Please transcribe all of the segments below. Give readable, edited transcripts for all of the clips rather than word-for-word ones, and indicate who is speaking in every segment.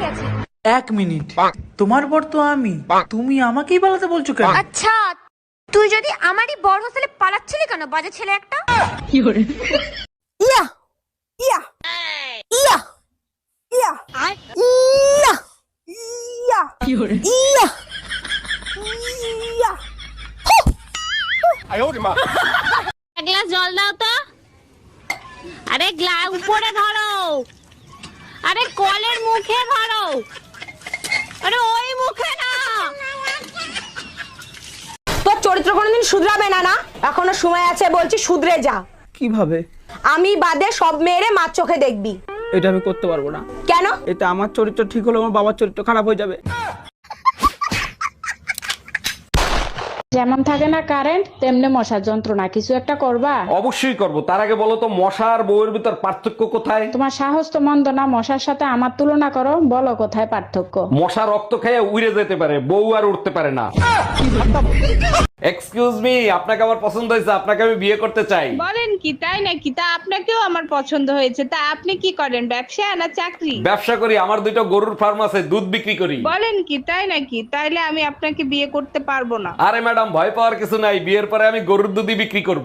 Speaker 1: গেছে।
Speaker 2: 1 মিনিট, তোমার বর তো আমি, তুমি আমাকেই পালাতে বলছো কেন?
Speaker 1: আচ্ছা, তুই যদি আমারই বড় হোস্টেলে পালাচ্ছিলি কেন, বাজে ছেলে একটা?
Speaker 3: ইয়া ইয়া ইয়া ইয়া ইয়া ইয়া ইয়া ইয়া।
Speaker 4: এক গ্লাস জল দাও তো। আরে গ্লাস উপরে ধরো, আরে কলের মুখে ধরো, আরে ওই মুখে না।
Speaker 3: তোর চরিত্র কোনোদিন শুধরাবে না না, এখনো সময় আছে, বলছি শুধরে যা।
Speaker 5: কিভাবে?
Speaker 3: আমি বাদে সব মেয়েরে মার চোখে দেখবি।
Speaker 5: এটা আমি করতে পারবো না।
Speaker 3: কেন?
Speaker 5: এটা আমার চরিত্র ঠিক হলে আমার বাবার চরিত্র খারাপ হয়ে যাবে।
Speaker 6: যেমন থাকে না কারেন্ট, তেমনি মশার যন্ত্রণা, কিছু একটা করবা?
Speaker 7: অবশ্যই করব। তার আগে বলো তো মশা আর বউয়ের ভিতর পার্থক্য কোথায়?
Speaker 6: তোমার সাহস তো মন্দ না, মশার সাথে আমার তুলনা করো, বলো কোথায় পার্থক্য?
Speaker 7: মশা রক্ত খেয়ে উড়ে যেতে পারে, বউ আর উঠতে পারে না। এক্সকিউজ মি, আপনাকে আমার পছন্দ হয়েছে, আপনাকে আমি বিয়ে করতে চাই।
Speaker 8: বলেন কি, তাই নাকি? তা আপনাকেও আমার পছন্দ হয়েছে। তা আপনি কি করেন, ব্যবসা না চাকরি?
Speaker 7: ব্যবসা করি, আমার 2টা গরুর ফার্ম আছে, দুধ বিক্রি করি।
Speaker 8: বলেন কি, তাই নাকি? তাইলে আমি আপনাকে বিয়ে করতে পারবো না।
Speaker 7: আরে ম্যাডাম, ভয় পাওয়ার কিছু নাই, বিয়ের পরে আমি গরুর দুধই বিক্রি করব।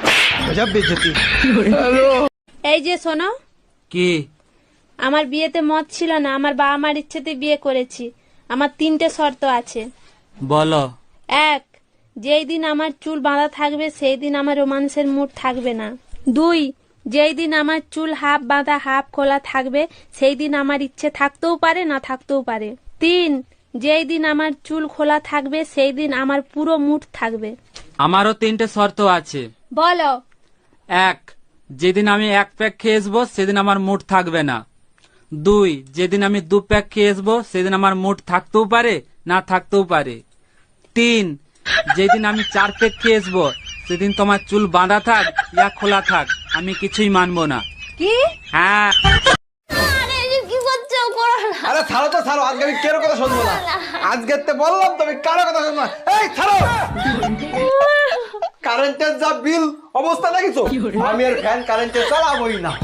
Speaker 9: এই যে শোনো,
Speaker 2: কি?
Speaker 9: আমার বিয়েতে মত ছিল না, আমার বাবা মার ইচ্ছেতে বিয়ে করেছি। আমার 3টে শর্ত আছে।
Speaker 2: বলো।
Speaker 9: 1, যেই দিন আমার চুল বাঁধা থাকবে সেই দিন আমার রোমান্সের মুড থাকবে না। 2, যেই দিন আমার চুল হাফ বাঁধা হাফ খোলা থাকবে সেই দিন আমার ইচ্ছে থাকতেও পারে না থাকতেও পারে। 3, যেই দিন আমার চুল খোলা থাকবে সেই দিন আমার পুরো মুড থাকবে।
Speaker 2: আমারও 3টে শর্ত আছে।
Speaker 9: বলো।
Speaker 2: 1, যেদিন আমি 1 প্যাক খেয়ে আসবো সেদিন আমার মুড থাকবে না। 2, যেদিন আমি 2 প্যাক খেয়ে আসবো সেদিন আমার মুড থাকতেও পারে না থাকতেও পারে। 3, যেদিন আমি 4 প্যাক খেয়ে আসবো সেদিন তোমার চুল বাঁধা থাক ইয়া খোলা থাক, আমি কিছুই মানবো না।
Speaker 9: কি?
Speaker 2: হ্যাঁ।
Speaker 4: আরে এই যে কি করছো, করো না।
Speaker 10: আরে ছাড়ো তো ছাড়ো, আজকে আমি কেন কথা শুনবো না। আজকে তো বললাম তুমি কারো কথা শুনবো না। এই ছাড়ো, কারেন্টের যা বিল অবস্থা দেখিছো, আমি আর ফ্যান কারেন্টে চালাবোই না।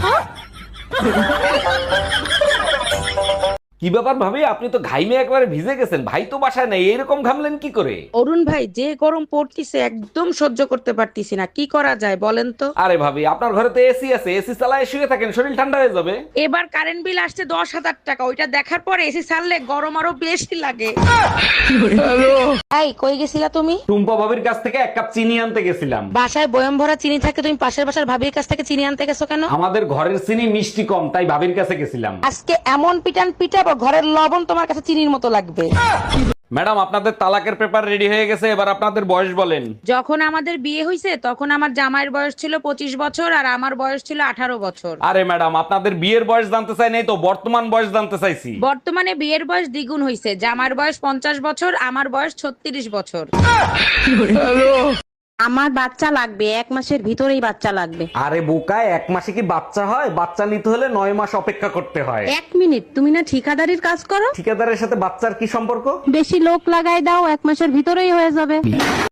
Speaker 7: কি ব্যাপার ভাবি, আপনি তো ঘাইমে একবারে ভিজে গেছেন, ভাই তো বাসায় নাই, এইরকম ঘামলেন কি করে?
Speaker 11: অরুণ ভাই, যে গরম পড়তিছে একদম সহ্য করতে পারতিছি না, কি করা যায় বলেন তো?
Speaker 7: আরে ভাবি, আপনার ঘরে তো এসি আছে, এসি চালায় শুয়ে থাকেন, শরীর ঠান্ডা হয়ে যাবে।
Speaker 11: এবার কারেন্ট বিল আসছে 10,000 টাকা, ওইটা দেখার পরে এসি ছাড়লে গরম আরো বেশি লাগে। এই কই গেছিলা তুমি?
Speaker 7: টুম্পা ভাবির কাছ থেকে 1 কাপ চিনি আনতে গেছিলাম।
Speaker 11: বাসায় বয়ম ভরা চিনি থাকে, তুমি পাশের বাসার ভাবির কাছ থেকে চিনি আনতে গেছো কেন?
Speaker 7: আমাদের ঘরের চিনি মিষ্টি কম, তাই ভাবির কাছে গেছিলাম।
Speaker 11: আজকে এমন পিটান পিটাবো, ঘরের লবণ তোমার কাছে চিনির মতো লাগবে।
Speaker 7: ম্যাডাম, আপনাদের তালাকের পেপার রেডি হয়ে গেছে, এবার আপনাদের বয়স বলেন।
Speaker 11: যখন আমাদের বিয়ে হয়েছে তখন আমার জামাইয়ের বয়স ছিল 25 বছর আর আমার বয়স ছিল 18 বছর।
Speaker 7: আরে ম্যাডাম, আপনাদের বিয়ের বয়স জানতে চাই নাই তো, বর্তমান বয়স জানতে চাইছি।
Speaker 11: বর্তমানে বিয়ের বয়স দ্বিগুণ হয়েছে, জামার বয়স 50 বছর, আমার বয়স 36 বছর। আমার বাচ্চা লাগবে, 1 মাসের ভিতরেই বাচ্চা লাগবে।
Speaker 7: আরে বোকায়, 1 মাসে কি বাচ্চা হয়? বাচ্চা নিতে হলে 9 মাস অপেক্ষা করতে হয়।
Speaker 11: 1 মিনিট, তুমি না ঠিকাদারির কাজ করো?
Speaker 7: ঠিকাদারের সাথে বাচ্চার কি সম্পর্ক?
Speaker 11: বেশি লোক লাগাই দাও, 1 মাসের ভিতরেই হয়ে যাবে।